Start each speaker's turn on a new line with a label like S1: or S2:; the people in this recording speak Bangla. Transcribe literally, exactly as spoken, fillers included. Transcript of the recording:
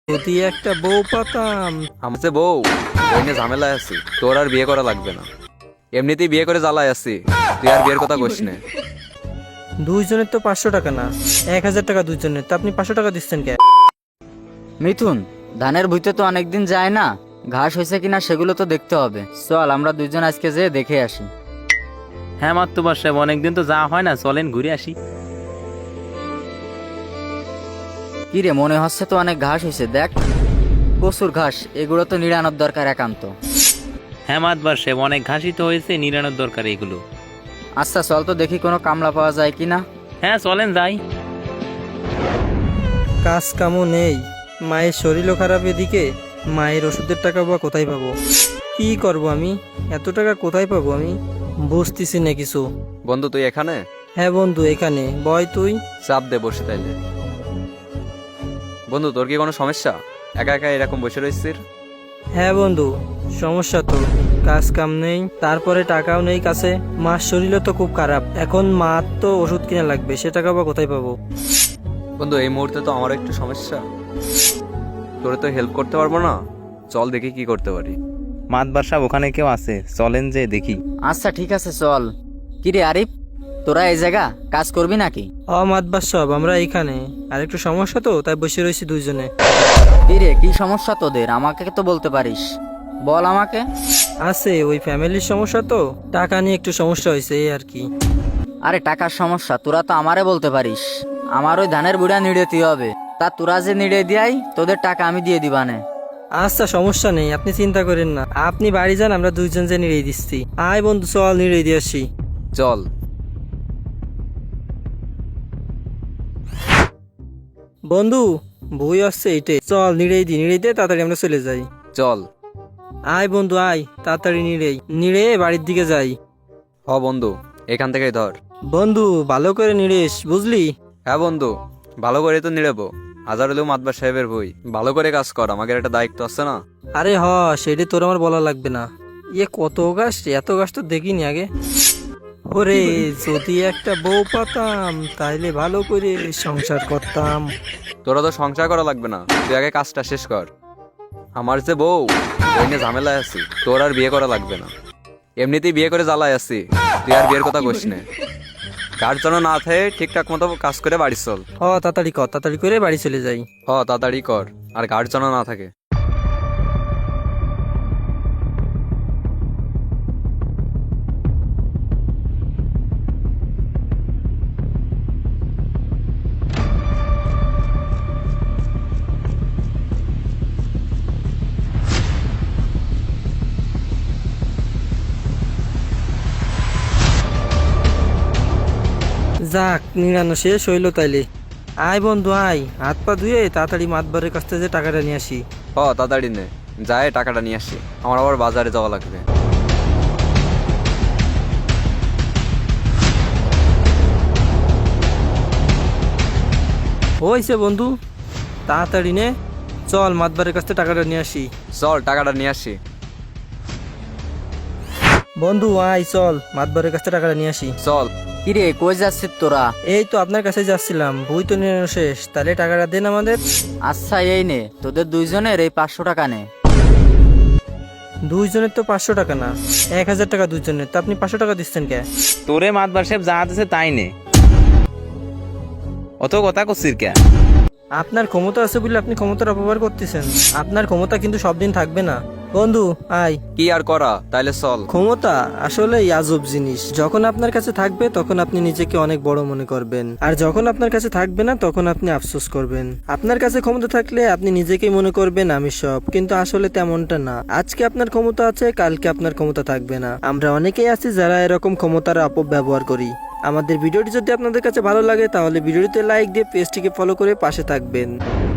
S1: যদি একটা বউ পাতাম।
S2: আমাকে বউ ওই নিয়ে ঝামেলায় আছি, তোর আর বিয়ে করা লাগবে না। এমনিতেই বিয়ে করে জ্বালায় আছি, তুই আর বিয়ের কথা কইস না।
S1: দুইজনের তো পাঁচশো টাকা না, এক হাজার টাকা দুইজনের, তো আপনি পাঁচশো টাকা দিচ্ছেন কে?
S3: মিথুন, ধানের ভুইতে তো অনেকদিন যায় না, ঘাস হয়েছে কিনা সেগুলো তো দেখতে হবে। চল আমরা দুইজন আজকে যেয়ে দেখে আসি।
S4: হ্যাঁ মাত্তবার সাহেব, অনেকদিন তো যাওয়া হয় না, চলেন ঘুরে আসি।
S3: কি রে, মনে হচ্ছে তো অনেক ঘাস হয়েছে, দেখ প্রচুর ঘাস, এগুলো তো নিড়ানোর দরকার একান্ত।
S4: হ্যাঁ মাতবার সাহেব, অনেক ঘাসই তো হয়েছে, নিরানোর দরকার এগুলো।
S3: আচ্ছা চল তো দেখি কোনো কামলা পাওয়া যায় কিনা।
S4: হ্যাঁ চলেন যাই।
S1: কাজ কামও নেই, মায়ের শরীরও খারাপ, এদিকে মায়ের ওষুধের টাকা বা কোথায় পাবো? কি করব আমি, এত টাকা কোথায় পাবো আমি বুঝতেছি না কিছু।
S2: বন্ধু তুই এখানে?
S1: হ্যাঁ বন্ধু এখানে, বয় তুই।
S2: চাপ দে বসে তাইলে। বন্ধু তোর কি কোনো সমস্যা, একা একা এরকম বসে রয়েছিস?
S1: হ্যাঁ বন্ধু, সমস্যা তো, কাজ কাম নেই, তারপরে টাকাও নেই কাছে, মার শরীরও তো খুব খারাপ, এখন মার তো ওষুধ কিনা লাগবে, সে টাকা বা কোথায় পাবো?
S2: বন্ধু এই মুহূর্তে তো আমার একটু সমস্যা, তোরে তো হেল্প করতে পারবো না, চল দেখি কি করতে পারি।
S4: মাতবার সাহেব ওখানে কেউ আছে, চলেন যে দেখি।
S3: আচ্ছা ঠিক আছে চল। কি রে আরিফ, তোরা এই জায়গা কাজ করবি নাকি?
S1: অমাতবার সব আমরা এইখানে, আর একটু সমস্যা তো তাই বসে রয়েছি দুইজনে।
S3: কি রে, কি সমস্যা তোদের, আমাকে তো বলতে পারিস, বল আমাকে।
S1: আছে ওই ফ্যামিলির সমস্যা তো, টাকা নিয়ে একটু সমস্যা হয়েছে এই আর কি।
S3: আরে টাকার সমস্যা তোরা তো আমারে বলতে পারিস, আমার ওই ধানের বুড়া নিড়েতে হবে, তা তোরা যে নিড়ে দিয়াই তোদের টাকা আমি দিয়ে দিবানে।
S1: আচ্ছা সমস্যা নেই, আপনি চিন্তা করেন না, আপনি বাড়ি যান, আমরা দুইজন যে নিড়ে দিচ্ছি। আয় বন্ধু চল নিড়ে দিয়ে আসি।
S2: চল।
S1: বন্ধু বই আসছে এইটে, চল নিড়েই দি, নিড়েই দিয়ে তাড়াতাড়ি আমরা চলে যাই।
S2: চল।
S1: আয় বন্ধু আয়, তাড়াতাড়ি নিড়েই নিড়ে বাড়ির দিকে যাই।
S2: হ বন্ধু, এখান থেকেই ধর।
S1: বন্ধু ভালো করে নিড়েস বুঝলি।
S2: হ্যাঁ বন্ধু, ভালো করে তো নিড়েবো, হাজার হলেও মাতবার সাহেবের বই, ভালো করে কাজ কর, আমাদের একটা দায়িত্ব আছে না।
S1: আরে হ, সেটা তোর আমার বলা লাগবে না। ইয়ে কত গাছ, এত গাছ তো দেখিনি আগে। ওরে যদি একটা বউ পাতাম, তাইলে ভালো করে সংসার করতাম।
S2: তোরা তো সংসার করা লাগবে না, তুই আগে কাজটা শেষ কর। আমার যে বউ ওই নিয়ে ঝামেলায় আছি, তোর আর বিয়ে করা লাগবে না। এমনিতেই বিয়ে করে জ্বালায় আছি, তুই আর বিয়ের কথা কইস না। কার জন্য না থাকে ঠিকঠাক মতো কাজ করে বাড়ি চল।
S1: হ তাড়াতাড়ি কর, তাড়াতাড়ি করে বাড়ি চলে যাই।
S2: হ তাড়াতাড়ি কর, আর কার জন্য না থাকে।
S1: যাক নিরানো শেষ হইলো তাইলে। আয় বন্ধু আয়, হাত পা ধুয়ে তাড়াতাড়ি মাতবারের কাছ থেকে যে টাকাটা নিয়ে আসি।
S2: হ তাড়াতাড়ি নে, যায় টাকাটা নিয়ে আসি, আমার আবার বাজারে যাওয়া লাগবে।
S1: হইছে বন্ধু, তাড়াতাড়ি নে, চল মাতবারের কাছ থেকে টাকাটা নিয়ে আসি।
S2: চল টাকাটা নিয়ে আসি।
S1: বন্ধু আয় চল মাতবারের কাছ থেকে টাকাটা নিয়ে আসি।
S2: চল।
S3: কি রে, কই যাচ্ছিস তোরা?
S1: এই তো আপনার কাছে যাচ্ছিলাম, বই তো নিরানো শেষ, তাহলে টাকাটা দেন আমাদের।
S3: আচ্ছা এই নে, তোদের দুইজনের এই পাঁচশো টাকা নে।
S1: দুইজনের তো পাঁচশো টাকা না, এক হাজার টাকা দুইজনের, তো আপনি পাঁচশো টাকা দিচ্ছেন কে?
S4: তোরে মাতবার সাহেব যা আছে তাই নে, অত কথা করছিস কে?
S1: আপনার ক্ষমতা আছে বলে আপনি ক্ষমতার অপব্যবহার করতেছেন, আপনার ক্ষমতা কিন্তু সব দিন থাকবে না। বন্ধু আয়।
S2: কি আর করা, তাইলে চল।
S1: ক্ষমতা আসলে আজব জিনিস, যখন আপনার কাছে থাকবে তখন আপনি নিজেকে অনেক বড় মনে করবেন, আর যখন আপনার কাছে থাকবে না তখন আপনি আফসোস করবেন। আপনার কাছে ক্ষমতা থাকলে আপনি নিজেকেই মনে করবেন আমি সব, কিন্তু আসলে তেমনটা না। আজকে আপনার ক্ষমতা আছে, কালকে আপনার ক্ষমতা থাকবে না। আমরা অনেকেই আছি যারা এরকম ক্ষমতার অপব্যবহার করি। আমাদের ভিডিওটি যদি আপনাদের কাছে ভালো লাগে তাহলে ভিডিওটিতে লাইক দিয়ে পেজটিকে ফলো করে পাশে থাকবেন।